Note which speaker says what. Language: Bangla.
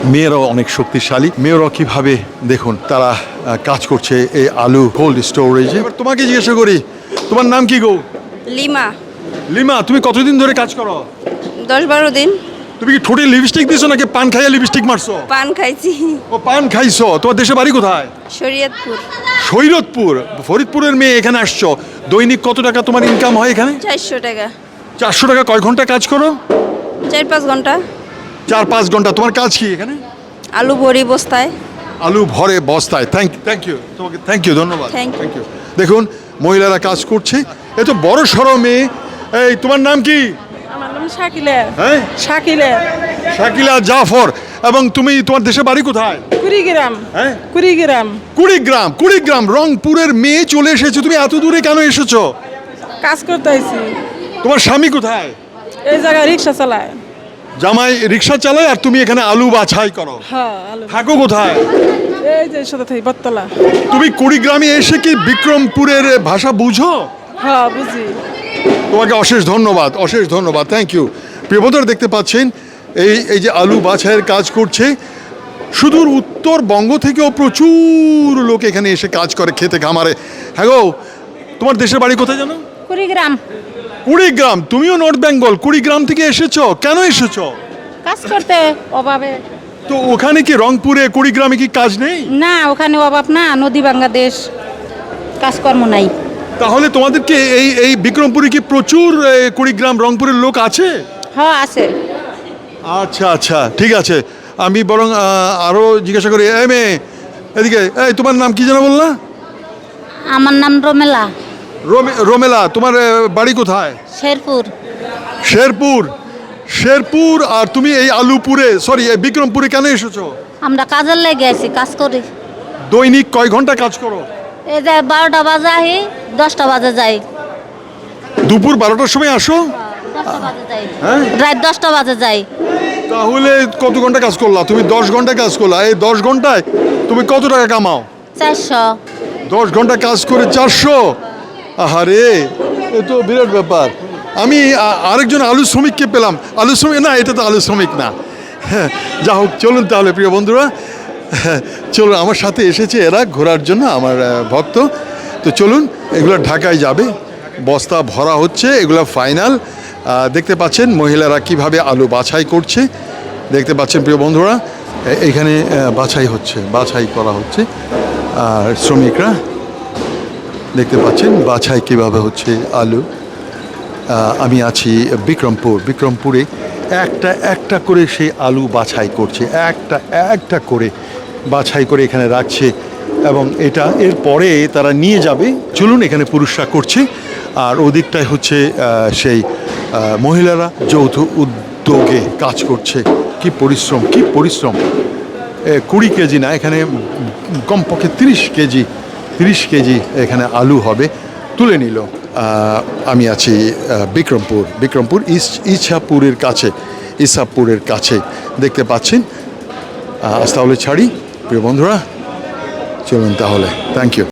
Speaker 1: মেয়েরাও অনেক শক্তিশালী, মেয়েরাও কিভাবে দেখুন তারা কাজ করছে এই আলু কোল্ড স্টোরেজে। এবার তোমাকে জিজ্ঞাসা করি, তোমার নাম কি গো?
Speaker 2: লিমা।
Speaker 1: লিমা, তুমি কতদিন ধরে কাজ করো?
Speaker 2: 10-12 দিন।
Speaker 1: তুমি কি ঠোঁটে লিপস্টিক দিছো নাকি পান খাইয়া লিপস্টিক মারছো?
Speaker 2: পান খাইছি।
Speaker 1: ও পান খাইছো। তোমার দেশে বাড়ি কোথায়?
Speaker 2: শরীয়তপুর।
Speaker 1: শরীয়তপুর, ফরিদপুরের মেয়ে এখানে আসছো। দৈনিক কত টাকা তোমার ইনকাম হয় এখানে?
Speaker 2: 400 টাকা।
Speaker 1: 400 টাকা। কয় ঘন্টা কাজ করো?
Speaker 2: 4-5 ঘন্টা।
Speaker 1: 4-5 ঘন্টা। তোমার কাজ কি এখানে?
Speaker 2: আলু ভরি বস্তায়।
Speaker 1: আলু ভরে বস্তায়। থ্যাংক ইউ তোমাকে, থ্যাংক ইউ, ধন্যবাদ।
Speaker 2: Thank you.
Speaker 1: ইউ। দেখুন মহিলারা কাজ করছে, এ তো বড় সড়ো মেয়ে। এই তোমার নাম কি?
Speaker 3: আমার নাম শাকিলা।
Speaker 1: হ্যাঁ,
Speaker 3: শাকিলা।
Speaker 1: শাকিলা জাফর। এবং তুমি, তোমার দেশের বাড়ি কোথায়?
Speaker 3: কুড়িগ্রাম।
Speaker 1: হ্যাঁ,
Speaker 3: কুড়িগ্রাম।
Speaker 1: কুড়িগ্রাম। কুড়িগ্রাম, রংপুরের মেয়ে চলে এসেছো। তুমি এত দূরে কেন এসেছো?
Speaker 3: কাজ করতে আইছি।
Speaker 1: তোমার স্বামী কোথায়?
Speaker 3: এই জায়গায় রিক্সা চালায়।
Speaker 1: জামাই রিক্সা চালায় আর তুমি এখানে আলু বাছাই করো।
Speaker 3: হ্যাঁ, আলু।
Speaker 1: থাকো কোথায়?
Speaker 3: এই যে সাথে থেকে বটতলা।
Speaker 1: তুমি কুড়িগ্রামে এসে কি বিক্রমপুরের ভাষা বুঝো?
Speaker 3: হ্যাঁ, বুঝি।
Speaker 1: তোমাকে অশেষ ধন্যবাদ, অশেষ ধন্যবাদ, থ্যাংক ইউ। প্রিয় বন্ধুরা, দেখতে পাচ্ছেন এই যে আলু বাছাইয়ের কাজ করছে। সুদূর উত্তরবঙ্গ থেকেও প্রচুর লোক এখানে এসে কাজ করে খেতে খামারে। হ্যাঁ গো, তোমার দেশের বাড়ি কোথায় জানো?
Speaker 4: কুড়িগ্রাম।
Speaker 1: কুড়িগ্রাম। তুমিও নর্থ বেঙ্গল, কুড়িগ্রাম থেকে এসেছো। কেন এসেছো?
Speaker 4: কাজ করতে অভাবে।
Speaker 1: তো ওখানে কি রংপুরে, কুড়িগ্রামে কি কাজ নেই?
Speaker 4: না, ওখানে অভাব না, নদী বাংলাদেশ, কাজকর্ম নাই।
Speaker 1: তাহলে তোমাদেরকে এই বিক্রমপুরে কি প্রচুর কুড়িগ্রাম রংপুরের লোক আছে?
Speaker 4: হ্যাঁ, আছে।
Speaker 1: আচ্ছা আচ্ছা, ঠিক আছে। আমি বরং আরও জিজ্ঞাসা করি। এই মেয়ে, এদিকে। এই তোমার নাম কি যেন বললা?
Speaker 4: আমার নাম রমেলা।
Speaker 1: রোমেলা। তোমার বাড়ি কোথায়?
Speaker 4: শেরপুর।
Speaker 1: শেরপুর। শেরপুর। আর তুমি এই আলুপুরে, সরি এই বিক্রমপুরে কেন এসেছো?
Speaker 4: আমরা কাজের লেগে আছি, কাজ করি।
Speaker 1: দৈনিক কয় ঘন্টা কাজ করো?
Speaker 4: এই যে 12টা বাজে আহি, 10টা বাজে যাই।
Speaker 1: দুপুর 12টার সময় আসো?
Speaker 4: 10টা বাজে যাই।
Speaker 1: হ্যাঁ?
Speaker 4: রাত 10টা বাজে যাই।
Speaker 1: তাহলে কত ঘন্টা কাজ করলা? তুমি 10 ঘন্টা কাজ করলা। এই 10 ঘন্টায় তুমি কত টাকা কামাও?
Speaker 4: 400।
Speaker 1: 10 ঘন্টা কাজ করে 400? আহারে, এ তো বিরাট ব্যাপার। আমি আরেকজন আলু শ্রমিককে পেলাম। আলু শ্রমিক না, এটা তো আলু শ্রমিক না। হ্যাঁ, যা হোক, চলুন তাহলে প্রিয় বন্ধুরা, চলুন আমার সাথে এসেছে এরা ঘোরার জন্য, আমার ভক্ত। তো চলুন, এগুলো ঢাকায় যাবে, বস্তা ভরা হচ্ছে, এগুলো ফাইনাল। দেখতে পাচ্ছেন মহিলারা কিভাবে আলু বাছাই করছে। দেখতে পাচ্ছেন প্রিয় বন্ধুরা, এখানে বাছাই করা হচ্ছে। আর শ্রমিকরা দেখতে পাচ্ছেন বাছাই কিভাবে হচ্ছে আলু। আমি আছি বিক্রমপুরে একটা একটা করে সেই আলু বাছাই করছে, একটা করে বাছাই করে এখানে রাখছে এবং এরপরে তারা নিয়ে যাবে। চলুন, এখানে পুরুষরা করছে আর ওদিকটায় হচ্ছে সেই মহিলারা যৌথ উদ্যোগে কাজ করছে। কি পরিশ্রম, কি পরিশ্রম। 20 কেজি না, এখানে কমপক্ষে 30 কেজি এখানে আলু হবে, তুলে নিল। আমি আছি বিক্রমপুর ইছাপুরের কাছে দেখতে পাচ্ছেন। আজ তাহলে ছাড়ি প্রিয় বন্ধুরা, চলুন তাহলে, থ্যাংক ইউ।